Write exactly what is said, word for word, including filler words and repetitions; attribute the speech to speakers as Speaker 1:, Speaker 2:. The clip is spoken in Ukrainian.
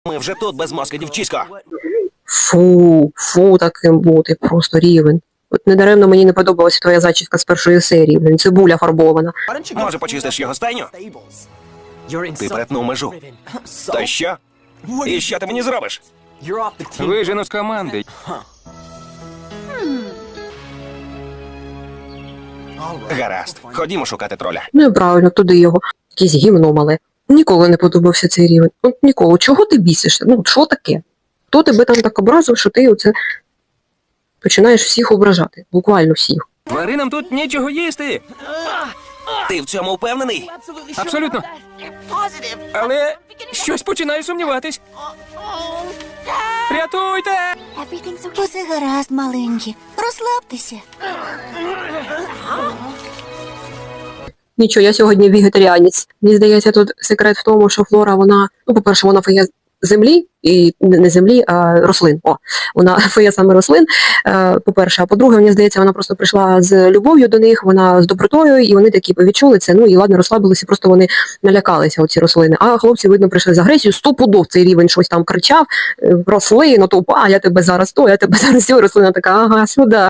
Speaker 1: Ми вже тут без мозка, дівчисько.
Speaker 2: Фу, фу, таким бути, просто рівень. От недаремно мені не подобалася твоя зачіска з першої серії, блін, цибуля фарбована.
Speaker 1: Може, почистиш його стайню? Ти перетнув межу. Та що? І що ти мені зробиш?
Speaker 3: Вижену з команди.
Speaker 1: Гаразд, ходімо шукати троля.
Speaker 2: Ну і правильно, туди його. Якесь гімно мале. Ніколи не подобався цей рівень. От ніколи. Чого ти бісишся? Ну, що таке? Хто тебе там так образив, що ти оце починаєш всіх ображати? Буквально всіх.
Speaker 3: Тваринам тут нічого їсти.
Speaker 1: Ти в цьому впевнений?
Speaker 3: Абсолютно. Але щось починаю сумніватись. Рятуйте!
Speaker 4: Усе гаразд, маленькі. Розслабтеся.
Speaker 2: Нічого, я сьогодні вегетаріанець. Мені здається, тут секрет в тому, що Флора, вона, ну, по-перше, вона фея землі, і не землі, а рослин. О, вона фея саме рослин, е, по-перше. А по-друге, мені здається, вона просто прийшла з любов'ю до них, вона з добротою, і вони такі відчули це, ну і ладно, розслабилися, просто вони налякалися, оці рослини. А хлопці, видно, прийшли з агресією, стопудов цей рівень щось там кричав, рослину, то, а я тебе зараз то, я тебе зараз сьо, рослина така, ага, сюди.